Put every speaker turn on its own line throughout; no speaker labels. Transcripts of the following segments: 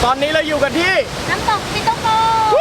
อนนี้เราอยู่กันที่
น้ำตกปิโตโก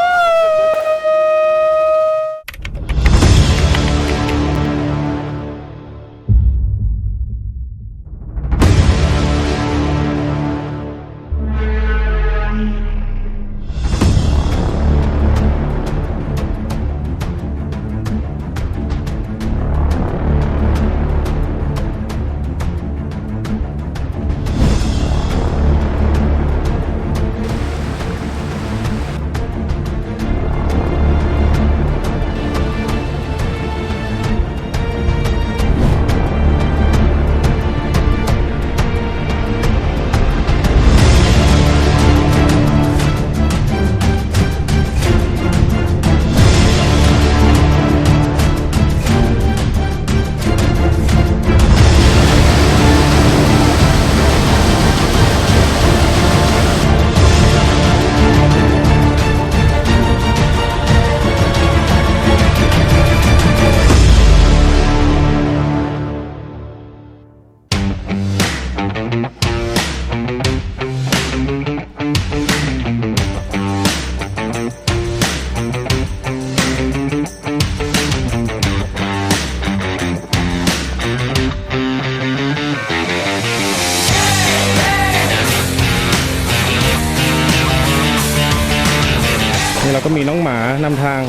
นี่เราก็มีน้องหมานำทาง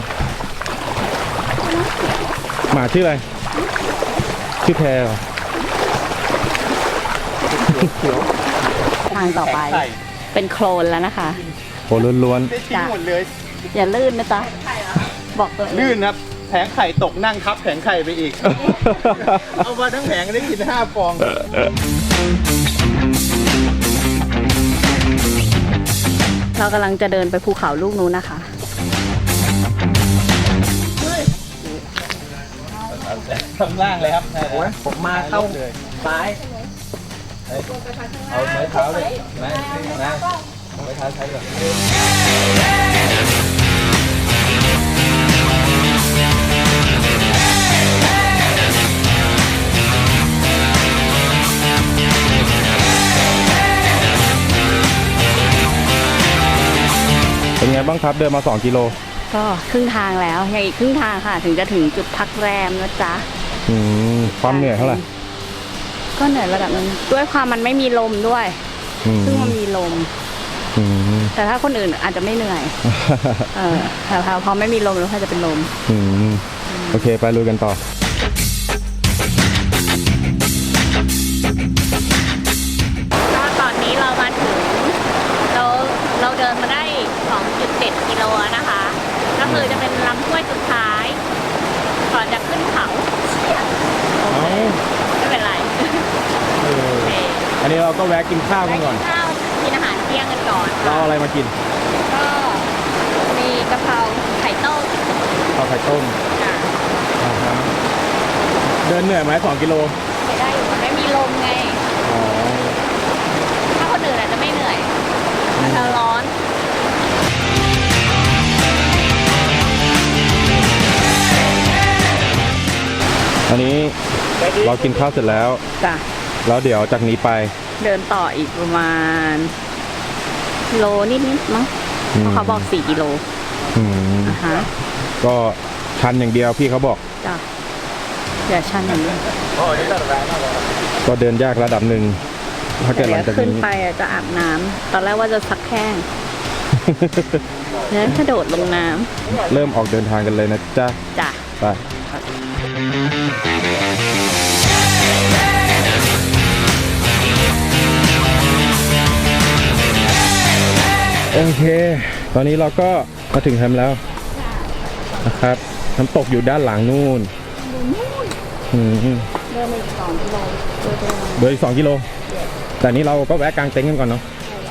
หมาชื่ออะไรชื่อแพรเหรอ
ทางต่อไปเป็นโคลนแล้วนะคะ
โหล้วน
ได้ทิ้งหมดเลย
อย่าลื่นนะจ๊ะบอกตัวเอง
ลื่นครับแผงไข่ตกนั่งทับแผงไข่ไปอีก เอามาทั้งแผงได้กิน5 ฟอง
เรากำลังจะเดินไปภูเขาลูกนู้นนะคะ
ข้างล่างเลยครับโอ้ยผมมาเข้าซ้ายเอาไม้เท้าเลยนะไม้เท้าใช้ก่อน
ๆเป็นไงบ้างครับเดินมา2 กิโล
ก็ครึ่งทางแล้วยังอีกครึ่งทางค่ะ ถึงจะถึงจุดพักแรมนะจ๊ะ
ความเหนื่อยเท่าไหร่
ก็เหนื่อยระดับนึงด้วยความมันไม่มีลมด้วย ซึ่งมันมีลม แต่ถ้าคนอื่นอาจจะไม่เหนื่อย แต่พอไม่มีลมแล้วถ้าจะเป็นลม
โอเคไปลุยกันต่อ
ก็ตอนนี้เรามาถึงเราเดินมาได้ 2.7 กิโลนะคะ ก็คือจะเป็นลำห้วยสุดท้าย ก่อนจะขึ้นเขาไม่เป็นไร
อันนี้เราก็แวะกินข้าวกันก่อน
ข้าวกินอาหารเที่ยงกันก่อน
เราเอาอะไรมากิน
ก็มีกะเพราไข่ต้ม
ข้าวไข่ต้ม
ค่ะ
เดินเหนื่อยไหม2 กิโล
ไม่ได้อยู่มันไม่มีลมไง ถ้าคนอื่นอาจจะไม่เหนื่อยมันจะร้อน
อันนี้เรากินข้าวเสร็จแล้ว
จ้ะ
แล้วเดี๋ยวจากนี้ไป
เดินต่ออีกประมาณโลนิดมั้งเพราะเขาบอก4 กิโลฮะ
ก็ชันอย่างเดียวพี่เขาบอก
จ้ะอย่าชันอย่างนี้
ก็เดินยากระดับหนึ่งถ้าเกิดห
เดี๋
ลั
ย
ง
ว
จาก
ขึ้น
นี้
ไปจะอาบน้ำตอนแรกว่าจะซักแข้งแล้วกระโดดลงน้
เริ่มออกเดินทางกันเลยนะจ๊ะ
ำจ้ะ
ไปโอเค ตอนนี้เราก็มาถึงแคมป์แล้วนะครับน้ำตกอยู่ด้านหลังนู่น
เดินอีก2 กิโล
เดินอีก2 กิโล แต่นี้เราก็แวะกางเต็นท์กันก่อนเนาะ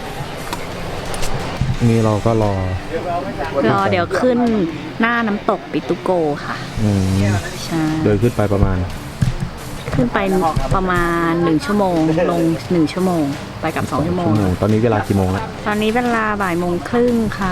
นี่เราก็รอ
เดี๋ยวขึ้นหน้าน้ำตกปิตุโกค่ะใช่
เดินขึ้นไปประมาณ
ขึ้นไปประมาณ1 ชั่วโมงลง1 ชั่วโมงไปกับ2 ชั่วโมง
ตอนนี้เวลากี่โมงแล้ว
ตอนนี้เวลาบ่ายโมงครึ่งค่ะ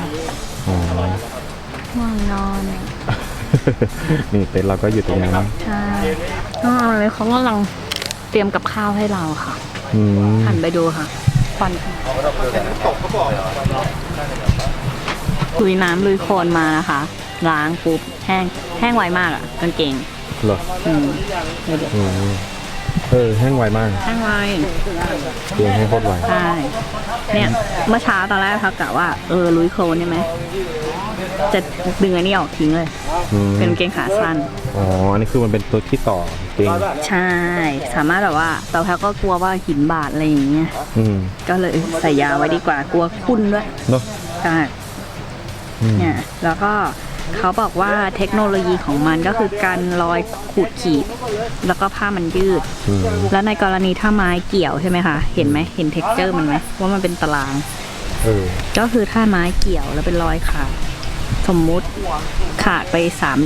ง่วงนอน
นี่เต็นท์เราก็อยู่ตรงนั้น
ใช่เลยเขากำลังเตรียมกับข้าวให้เราค่ะหันไปดูค่ะควัน
ตกเขาบอก
ลุยน้ำลุยโคลนมานะคะล้างปุ๊บแห้งไวมากอะกางเกง
เหรอ
อืม
อืมแห้งไวมาก
แห้งไว
เตียงแห้งโคตรไว
ใช่เนี่ยเมื่อเช้าตอนแรกเขากะว่าลุยโคลนใช่ไหมจะดึงอันนี้ออกทิ้งเลย
อืม
เป็นกางเกงขาสั้น
อ๋ออันนี้คือมันเป็นตัวที่ต่อเตียง
ใช่ สามารถแบบว่าแต่แพลก็กลัวว่าหินบาดอะไรอย่างเงี้ย
อืม
ก็เลยใส่ยาไว้ดีกว่ากลัวคุ้นด้วย
เนาะ
ใช่
อืม
เนี่ยแล้วก็เขาบอกว่าเทคโนโลยีของมันก็คือการรอยขูดขีด แล้วก็ผ้ามันยืด
อืม
แล้วในกรณีถ้าไม้เกี่ยวใช่ไหมคะ เห็นไหมเห็นเท็กเจอร์มันไหมว่ามันเป็นตาราง ก็คือถ้าไม้เกี่ยวแล้วเป็นรอยขาด สมมุติขาดไปสาม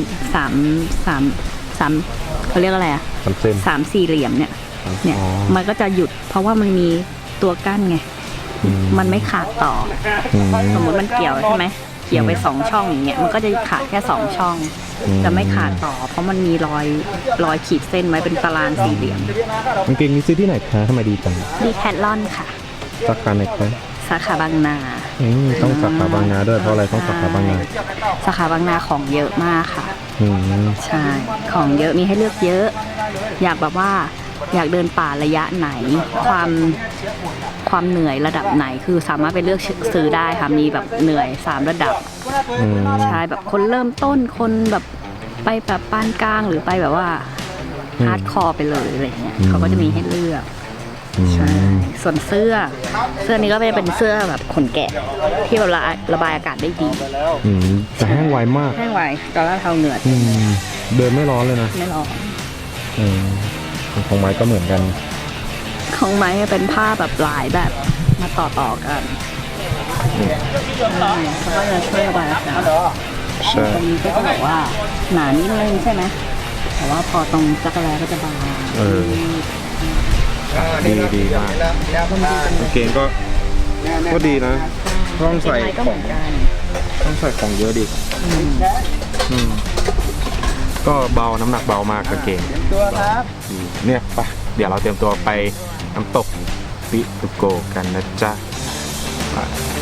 เขาเรียกอะไรอะ
สามเส้น
3-4 เหลี่ยมเนี่ย
อ๋อ
มันก็จะหยุด เพราะว่ามันมีตัวกั้นไง
อืม
มันไม่ขาดต่อ
อืม
สมมุติมันเกี่ยวใช่ไหมเกี่ยวไป2 ช่องอย่างเงี้ย มันก็จะขาดแค่2 ช่อง
อืม
จะไม่ขาดต่อ เพราะมันมีรอยขีดเส้นไว้เป็นตารางสี่เหลี่ยม
กางเกงนี้ซื้อที่ไหนคะทำไมดีจัง
ดีแคทลอนค่ะ
สาขาไหนคะ
สาขาบางนา
ต้องสาขาบางนาด้วยเพราะอะไรต้องสาขาบางนา
สาขาบางนาของเยอะมากค่ะ
อืม
ใช่ ของเยอะมีให้เลือกเยอะ อยากแบบว่าอยากเดินป่าระยะไหน ความเหนื่อยระดับไหนคือสามารถไปเลือกซื้อได้ค่ะ มีแบบเหนื่อย3 ระดับ
อืม
ใช่แบบคนเริ่มต้นคนแบบไปแบบปานกลางหรือไปแบบว่าฮาร์ดคอร์ไปเลยอะไรเงี้ยเขาก็จะมีให้เลือก ใช่ ส่วนเสื้อนี้ก็เป็นเสื้อแบบขนแกะที่แบบระบายอากาศได้ดี
อืมแต่แห้งไวมาก
แห้งไวตอนแรกเท้าเหงื่อ
อืมเดินไม่ร้อนเลยนะ
ไม่ร้อน
อืมของไม้ก็เหมือนกัน
ของไม้เป็นผ้าแบบหลายแบบมาต่อกันใช่เขาก็จะช่วยระบายอากาศ
ใช่
ตรงนี้ก็จะแบบว่าหนานิดนึงใช่ไหมแต่ว่าพอตรงจักรแลก็จะบาง
ดีมากกางเกงก็ดีนะต้องใส่
ไม้ก็
ข
เห
อ
มื
ง
อนกัน
ต้องใส่ของเยอะดิอืมก็เบาน้ำหนักเบามากกางเกง
ตัวครับ
เนี่ยไปเดี๋ยวเราเตรียมตัวไปน้ำตกปิตุโกกันนะจ๊ะไป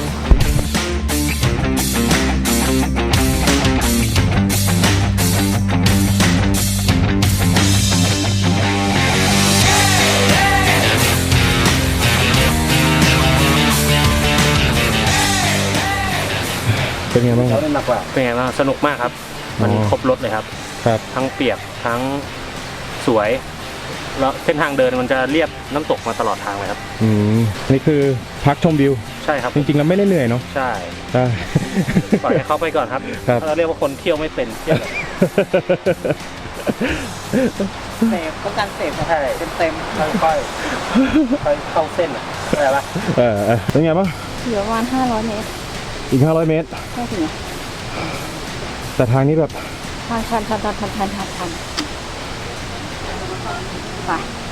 เป็นไงบ้างครับ
เป็นไงบ้างสนุกมากครับ มัน
อ๋อ
ครบรถเลยครับ
ครับ
ทั้งเปียกทั้งสวย แล้วเส้นทางเดินมันจะเรียบน้ำตกมาตลอดทางเลยครับ
อืมนี่คือพักชมวิว
ใช่ครับ
จริงๆแล้วไม่ได้เหนื่อยเนาะ
ใช่
ใช่
ปล่อยให้เขาไปก่อนครับ
ครับ
เราเรียกว่าคนเที่ยวไม่เป็นเที่ยวแบบ
เสพต้องการเสพ
ใช่เต็มค่อยๆเข้าเส้นอ่ะอะไรปะ
เป็นไงบ้าง
เหลือประมาณ500 เมตร
อีก500 เมตร
แค่ถึง
แต่ทางนี้แบบ
ทันไป
ไป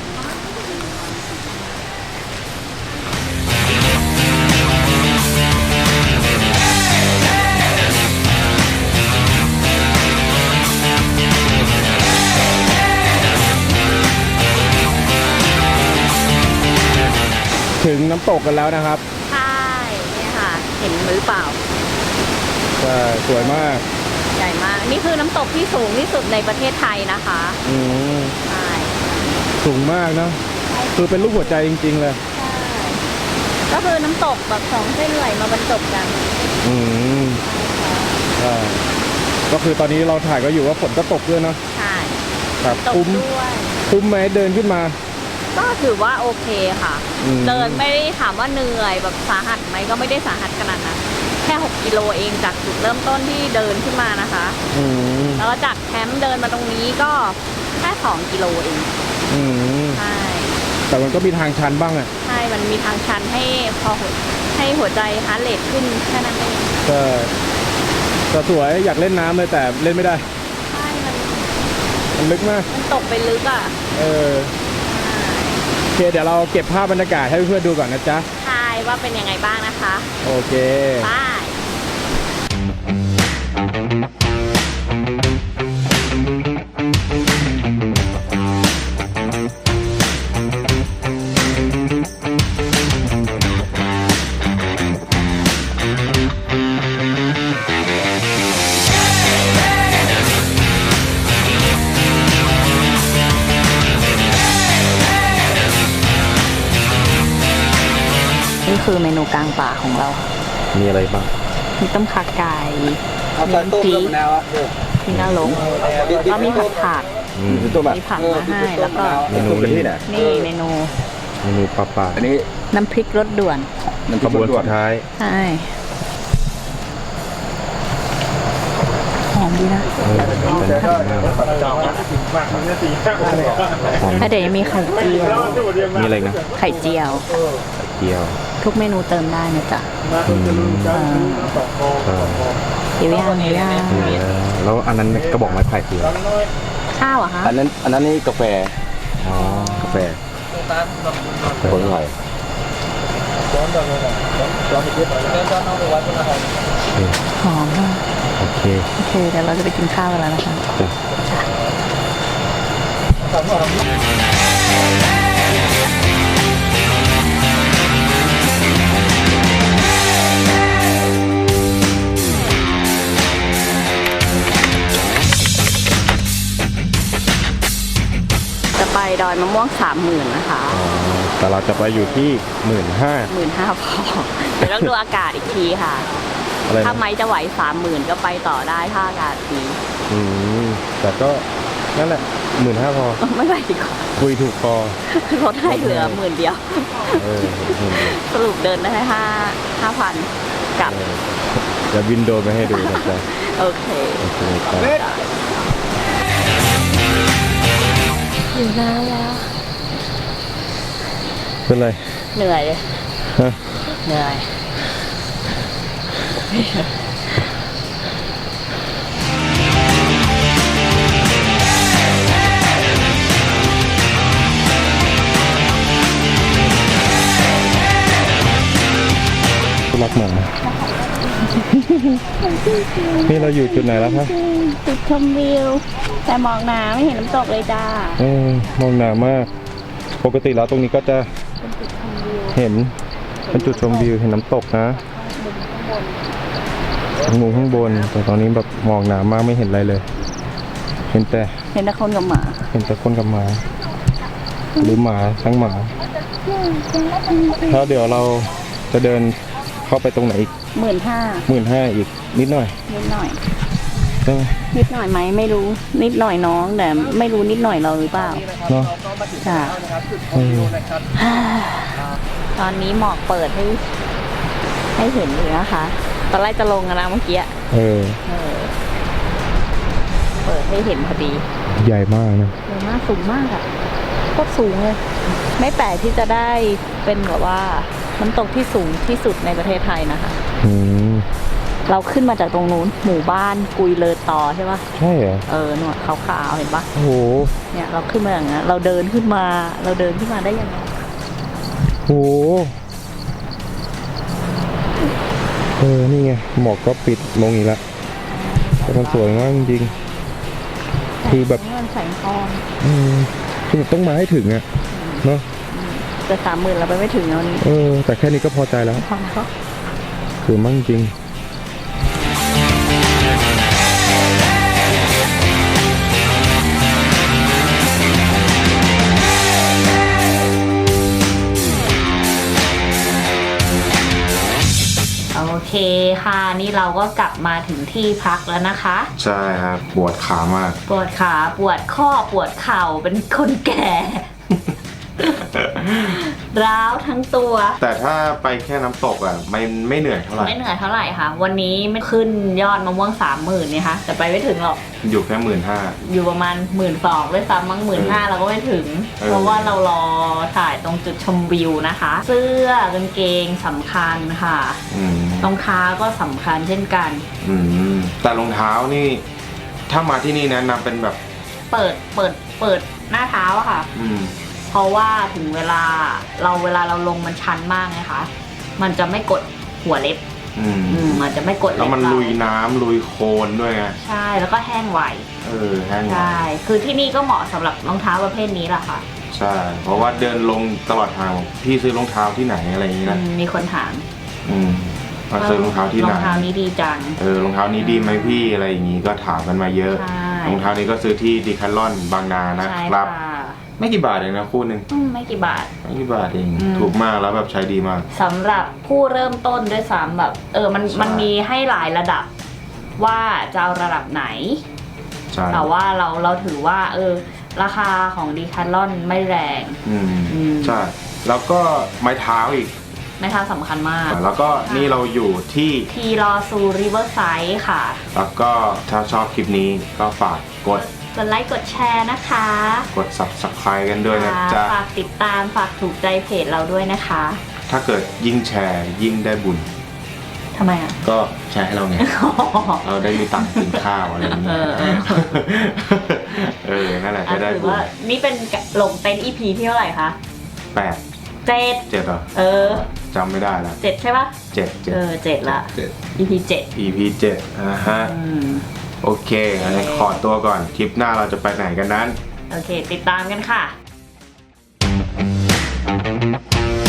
ถึงน้ำตกกันแล้วนะครับ
ใช่เนี่ยค่ะ เห็นหรือเปล่า
ใช่สวยมาก
ใหญ่มาก นี่คือน้ำตกที่สูงที่สุดในประเทศไทยนะคะ
อืม
ใช่
สูงมากนะคือเป็นรูปหัวใจจริงๆเลย
ก็คือน้ำตกแบบ2 เส้นไหลมาบรรจบกัน
อืมใช่ก็คือตอนนี้เราถ่ายก็อยู่ว่าฝนก็ตกด้วยเนาะ
ใช่
ครับ
ตก
คุ้ม
ด้วย
คุ้มไหมเดินขึ้นมา
ก็ถือว่าโอเคค่ะ
อืม
เดินไม่ได้ถามว่าเหนื่อยแบบสาหัสไหมก็ไม่ได้สาหัสขนาดนั้นแค่ 6 กิโลเองจากจุดเริ่มต้นที่เดินขึ้นมานะคะ
อืม
แล้วก็จากแคมป์เดินมาตรงนี้ก็แค่2 กิโลเอง
อืม
ใช่
แต่มันก็มีทางชันบ้างอ่ะ
ใช่ มันมีทางชันให้ให้หัวใจฮาร์ทเรทขึ้นแค่นั้นเอง
แต่สวยอยากเล่นน้ำเลยแต่เล่นไม่ได้
ใช่
มันลึกมาก
มันตกไปลึกอ่ะ
โอเคเดี๋ยวเราเก็บภาพบรรยากาศให้เพื่อนๆดูก่อนนะจ๊ะ
ใช่ว่าเป็นยังไงบ้างนะคะ
โอเค
บายเมนูกลางป่าของเรา
มีอะไรบ้าง
มีต้มขาไก่มีน้ำพริกที่น่าลงแล้วมีผัดผัก
อืม
มีผักมาให้แล้วก็
เมนูนี้
นี่เมนู
เมนูปลาปลา
อันนี้
น้ำพริกรสด่วน
ขบวนสุดท้าย
ใช่หอมดีนะ
แต่น่ากินมาก
แล้วเดี๋ยวยังมีไข่เจียว
มีอะไรนะ
ไข่เจียว
ไข่เจียว
ทุกเมนูเติมได้นะจ๊ะ
อืมใช่
เดี๋ยวย่างเดี๋ยวย่าง
แล้วอันนั้นกระบอกไม้ไผ่คืออะไร
ข้าวอะฮะ
อันนั้นนี่กาแฟ
อ๋อกาแฟ
คนอร่อย
หอมมาก
โอเค
โอเคเดี๋ยวเราจะไปกินข้าวกันแล้วนะคะ
จ้ะ
จะไปดอยมะม่วง30,000นะคะ
อ๋อแต่เราจะไปอยู่ที่15,000
15,000พอเดี๋ยวต้องดูอากาศอีกทีค่ะ
อะไร
ถ้า
นะ
ไม่จะไหว30,000ก็ไปต่อได้ถ้าอากาศดี
อืมแต่ก็นั่นแหละ15,000พอ
ไม่ไปดีกว่า
คุยถูกคอ
ลดให้เหลือ10,000เดียว
เออ10,000
สรุปเดินได้แค่5,000กลับ
จะวินโดว์ไปให้ดูนะจ๊ะ
โอเค
โอเคครับ
อยู่นานแล้ว
เป็นไร
เหนื่อยเลย
ฮะ
เหนื่อย
คุณรักหมานี่เราอยู่จุดไหนแล้วคะ
จุดชมวิว แต่มองน้ำไม่เห็นน้ำตกเลยจ้า
มองหนามาก ปกติแล้วตรงนี้ก็จะเห็นเป็นจุดชมวิวเห็นน้ำตกนะมุมข้างบนแต่ตอนนี้แบบมองหนามากไม่เห็นอะไรเลย เห็นแต่
เห็นแต่คนกับหมา
เห็นแต่คนกับหมา หรือหมาทั้งหมาแล้วเดี๋ยวเราจะเดินเข้าไปตรงไหนอีก
15,000
15,000อีกนิดหน่อย
นิดหน่อย
ใช่ไหม
นิดหน่อยไหมไม่รู้ นิดหน่อยน้องแต่ไม่รู้นิดหน่อยเราหรือเปล่า
เนาะ
ค่ะ
เออ
ตอนนี้หมอกเปิดให้เห็นอยู่นะคะ ตอนแรกจะลงกันนะเมื่อกี้
เออ
เปิดให้เห็นพอดี
ใหญ่มากนะ
เยอะมากสูงมากอะโคตรสูงเลย ไม่แปลกที่จะได้เป็นแบบว่าน้ำตกที่สูงที่สุดในประเทศไทยนะคะ
อืม
เราขึ้นมาจากตรงนู้นหมู่บ้านกุยเลอตอใช่ปะ
ใช่เหรอ
หนวดขาวๆเห็นปะ
โอ้โห
เนี่ยเราขึ้นมาอย่างนั้นเราเดินขึ้นมาได้ยังไง
โอ้โหนี่ไงหมอกก็ปิดลงอีกแล้วแต่มันสวยมากจริงๆคือแบบ
นี่มันแสงทอง
คือต้องมาให้ถึงอะเนาะ
แต่30,000เราไปไม่ถึงแล้วนี้
แต่แค่นี้ก็พอใจแล้ว
พอแล้ว
คือมั่งจริง
โอเคค่ะนี่เราก็กลับมาถึงที่พักแล้วนะคะ
ใช่ครับปวดขามาก
ปวดขาปวดข้อปวดเข่าเป็นคนแก่ ร้าวทั้งตัว
แต่ถ้าไปแค่น้ำตกอะไม่เหนื่อยเท่าไหร่
ไม่เหนื่อยเท่าไหร่ค่ะ วันนี้ไม่ขึ้นยอดมะม่วง30,000เนี่ยค่ะแต่ไปไม่ถึงหรอก
อยู่แค่15,000
อยู่ประมาณ12,000ด้วยซ้ำมั้ง15,000เราก็ไม่ถึง เพราะว่าเรารอถ่ายตรงจุดชมวิวนะคะ เสื้อกางเกงสำคัญค่ะรองเท้าก็สำคัญเช่นกัน
แต่รองเท้านี่ถ้ามาที่นี่แนะนำเป็นแบบ
เปิดหน้าเท้าอะค่ะ เพราะว่าถึงเวลาเราลงมันชันมากไงคะมันจะไม่กดหัวเล็บมันจะไม่กดเล็บ
แล้วมันลุยน้ำลุยโคลนด้วยไง
ใช่แล้วก็แห้งไว
แห้งไว
ใช่คือที่นี่ก็เหมาะสำหรับรองเท้าประเภทนี้แหละค่ะ
ใช่เพราะว่าเดินลงตลอดทางพี่ซื้อรองเท้าที่ไหนอะไรอย่างนี้นะ
มีคนถาม
มาซื้อรองเท้าที่ไหน
รองเท้านี้ดีจัง
รองเท้านี้ดีไหมพี่อะไรอย่างนี้ก็ถามกันมาเยอะ
ใช่
รองเท้านี้ก็ซื้อที่ดีแคทลอนบางนานะ
ใช่
ครับ
ค่ะ
ไม่กี่บาทเองนะคู่หนึ่ง
ไม่กี่บาท
ไม่กี่บาทเอง
อืม
ถูกมากแล้วแบบใช้ดีมาก
สำหรับผู้เริ่มต้นด้วยซ้ำแบบมันมีให้หลายระดับว่าจะเอาระดับไหน
ใช่
แต่ว่าเราถือว่าราคาของดีคาร์ลอนไม่แรง
อืม
อืม
ใช่แล้วก็ไม้เท้าอีก
ไม่ท้าสำคัญมาก
แล้วก็นี่เราอยู่ที่
ทีรอซูริเวอร์ไซด์ค่ะ
แล้วก็ถ้าชอบคลิปนี้ก็ฝากกด
กดไลค์กดแชร์นะคะ
กด subscribe กันด้วยนะจ๊ะ
ฝากติดตามฝากถูกใจเพจเราด้วยนะคะ
ถ้าเกิดยิ่งแชร์ยิ่งได้บุญ
ทำไมอ่ะ
ก็แชร์ให้เราไง เราได้มีตังค์กินข้าวอะไรอย่างเงี้ย นั่นแหละจะได้
ถือ
บุญ
ว่านี่เป็นลงเต็นท์ EP ที่เท่าไหร่คะ
8
7
7เหรอ จำไม่ได้แล้ว
7ใช่ปะ
7
7ละ
7
EP 7
EP 7ฮะ โอเคงั้นขอตัวก่อน คลิปหน้าเราจะไปไหนกันนั้น
โอเค ติดตามกันค่ะ